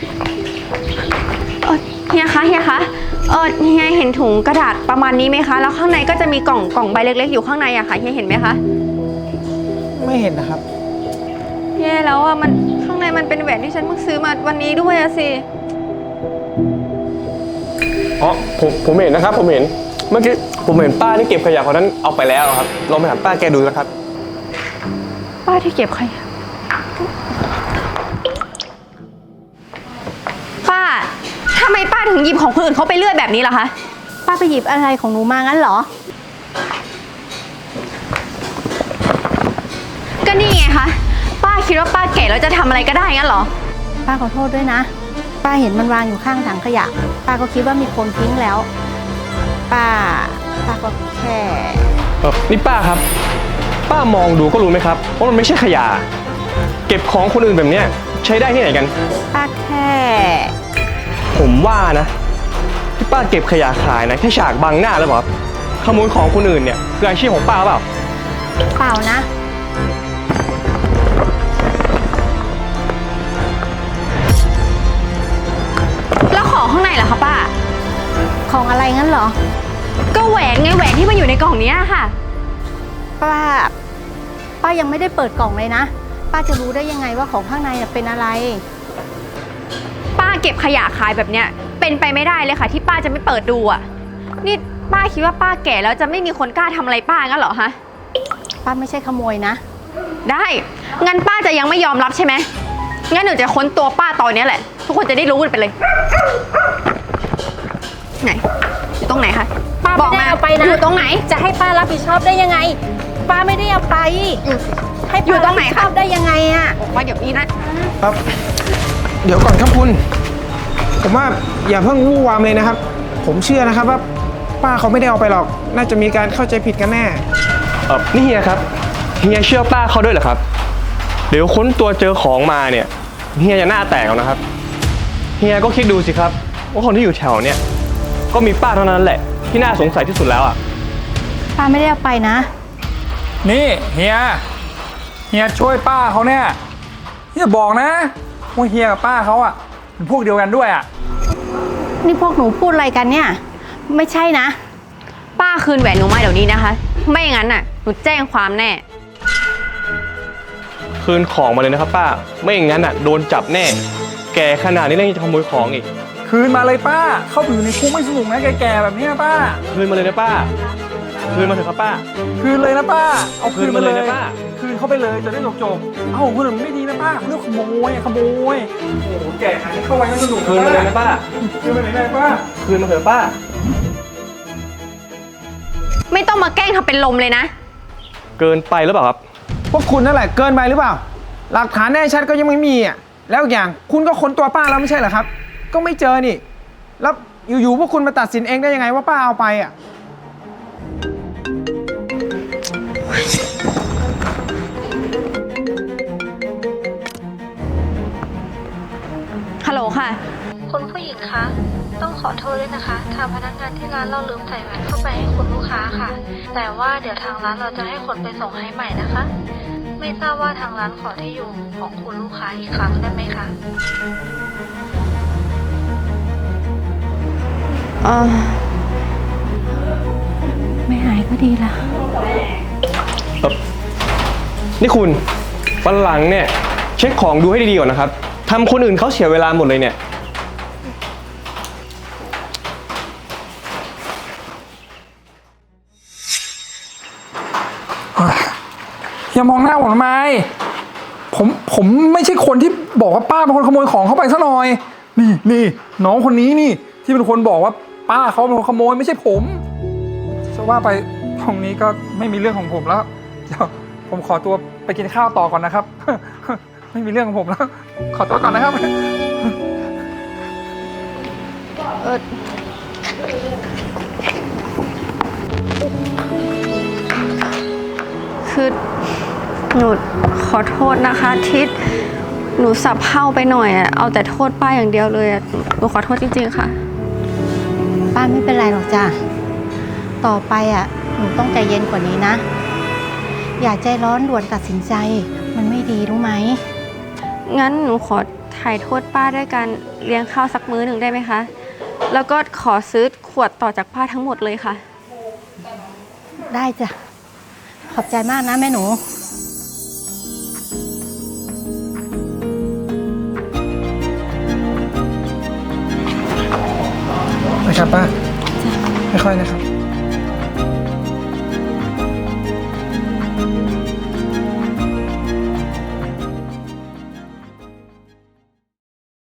เฮียคะเฮียเห็นถุงกระดาษประมาณนี้ไหมคะแล้วข้างในก็จะมีกล่องใบเล็กๆอยู่ข้างในอะค่ะเฮียเห็นไหมคะไม่เห็นนะครับแย่แล้วอะมันข้างในมันเป็นแหวนที่ฉันเพิ่งซื้อมาวันนี้ด้วยอะสิอ๋อผมเห็นนะครับผมเห็นเมื่อกี้ผมเห็นป้าที่เก็บขยะคนนั้นเอาไปแล้วครับลองไปถามป้าแกดูนะครับป้าที่เก็บขยะป้าทำไมป้าถึงหยิบของคนอื่นเขาไปเรื่อยแบบนี้ล่ะคะป้าไปหยิบอะไรของหนูมางั้นเหรอก็นี่ไงคะป้าคิดว่าป้าแก่แล้วจะทำอะไรก็ได้งั้นเหรอป้าขอโทษด้วยนะป้าเห็นมันวางอยู่ข้างถังขยะป้าก็คิดว่ามีคนทิ้งแล้วป้าก็แค่นี่ป้าครับป้ามองดูก็รู้ไหมครับว่ามันไม่ใช่ขยะเก็บของคนอื่นแบบนี้ใช้ได้ที่ไหนกันป้าแค่ผมว่านะที่ป้าเก็บขยะขายนะแค่ฉากบังหน้าแล้วบอกขโมยของคนอื่นเนี่ยคืออาชีพของป้าเปล่าเปล่านะแล้วของข้างในล่ะคะป้าของอะไรงั้นเหรอก็แหวนไงแหวนที่มันอยู่ในกล่องนี้ค่ะป้ายังไม่ได้เปิดกล่องเลยนะป้าจะรู้ได้ยังไงว่าของข้างในเป็นอะไรป้าเก็บขยะขายแบบเนี้ยเป็นไปไม่ได้เลยค่ะที่ป้าจะไม่เปิดดูอ่ะนี่ป้าคิดว่าป้าแก่แล้วจะไม่มีคนกล้าทำอะไรป้างั้นเหรอฮะป้าไม่ใช่ขโมยนะได้งั้นป้าจะยังไม่ยอมรับใช่ไหมงั้นหนูจะค้นตัวป้าตอนนี้แหละทุกคนจะได้รู้กันไปเลยไหนอยู่ตรงไหนคะป้าไม่ได้เอาไปนะอยู่ตรงไหนจะให้ป้ารับผิดชอบได้ยังไงป้าไม่ได้เอาไปให้อยู่ตรงไหนคะได้ยังไงอะบอกว่าเดี๋ยวนี้นะครับเดี๋ยวก่อนครับคุณผมว่าอย่าเพิ่งวู่วามเลยนะครับผมเชื่อนะครับว่าป้าเขาไม่ได้เอาไปหรอกน่าจะมีการเข้าใจผิดกันแน่นี่เฮียครับเฮียเชื่อป้าเขาด้วยเหรอครับเดี๋ยวค้นตัวเจอของมาเนี่ยเฮียจะหน้าแตกแล้วนะครับเฮียก็คิดดูสิครับว่าคนที่อยู่แถวเนี่ยก็มีป้าเท่านั้นแหละที่น่าสงสัยที่สุดแล้วอ่ะป้าไม่ได้เอาไปนะนี่เฮียช่วยป้าเขาเนี่ยเฮียบอกนะว่าเฮียกับป้าเขาอ่ะเป็นพวกเดียวกันด้วยอ่ะนี่พวกหนูพูดอะไรกันเนี่ยไม่ใช่นะป้าคืนแหวนหนูมาเดี๋ยวนี้นะคะไม่งั้นน่ะหนูแจ้งความแน่คืนของมาเลยนะครับป้าไม่อย่างนั้นอ่ะโดนจับแน่แกขนาดนี้เรื่องจะขโมยของอีกคืนมาเลยป้าเข้าไปอยู่ในคุกไม่สนุกนะแก่ๆแบบนี้ป้าคืนมาเลยนะป้าคืนมาเถอะครับป้าคืนเลยนะป้าเอาคืนมาเลยนะป้าคืนเข้าไปเลยจะได้จบเอ้าคนอื่นไม่ดีนะป้าเรื่องขโมยโอ้โหแก่ขนาดนี้เข้าไว้ไม่สนุกคืนมาเลยนะป้าคืนมาเลยนะป้าคืนมาเถอะป้าไม่ต้องมาแกล้งทำเป็นลมเลยนะเกินไปหรือเปล่าครับพวกคุณนั่นแหละเกินไปหรือเปล่าหลักฐานแน่ชัดก็ยังไม่มีอ่ะแล้วอย่างคุณก็ค้นตัวป้าแล้วไม่ใช่เหรอครับก็ไม่เจอนี่แล้วอยู่ๆพวกคุณมาตัดสินเองได้ยังไงว่าป้าเอาไปอ่ะฮัลโหลค่ะคุณผู้หญิงคะต้องขอโทษด้วยนะคะทางพนักงานที่ร้านเราลืมใส่แหวนเข้าไปให้คุณลูกค้าค่ะแต่ว่าเดี๋ยวทางร้านเราจะให้คนไปส่งให้ใหม่นะคะไม่ทราบว่าทางร้านขอที่อยู่ของคุณลูกค้าอีกครั้งได้ไหมคะไม่หายก็ดีละนี่คุณวันหลังเนี่ยเช็คของดูให้ดีๆก่อนนะครับทำคนอื่นเขาเสียเวลาหมดเลยเนี่ยอย่ามองหน้าผมทำไมผมไม่ใช่คนที่บอกว่าป้าเป็นคนขโมยของเข้าไปซะหน่อยนี่น้องคนนี้นี่ที่เป็นคนบอกว่าป้าเขาเป็นคนขโมยไม่ใช่ผมจะว่าไปตรงนี้ก็ไม่มีเรื่องของผมแล้วเดี๋ยวผมขอตัวไปกินข้าวต่อก่อนนะครับไม่มีเรื่องของผมแล้วขอตัวก่อนนะครับคือหนูขอโทษนะคะทิศหนูสับเผ่าไปหน่อยอ่ะเอาแต่โทษป้าอย่างเดียวเลยอ่ะหนูขอโทษจริงๆค่ะป้าไม่เป็นไรหรอกจ้ะต่อไปอ่ะหนูต้องใจเย็นกว่านี้นะอย่าใจร้อนด่วนตัดสินใจมันไม่ดีรู้ไหมงั้นหนูขอทถ่ายโทษป้าด้วยการเลี้ยงข้าวสักมื้อหนึ่งได้ไหมคะ แล้วก็ขอซื้อขวดต่อจากป้าทั้งหมดเลยค่ะได้จ้ะ ขอบใจมากนะแม่หนูนะครับป้า ค่อยๆนะครับ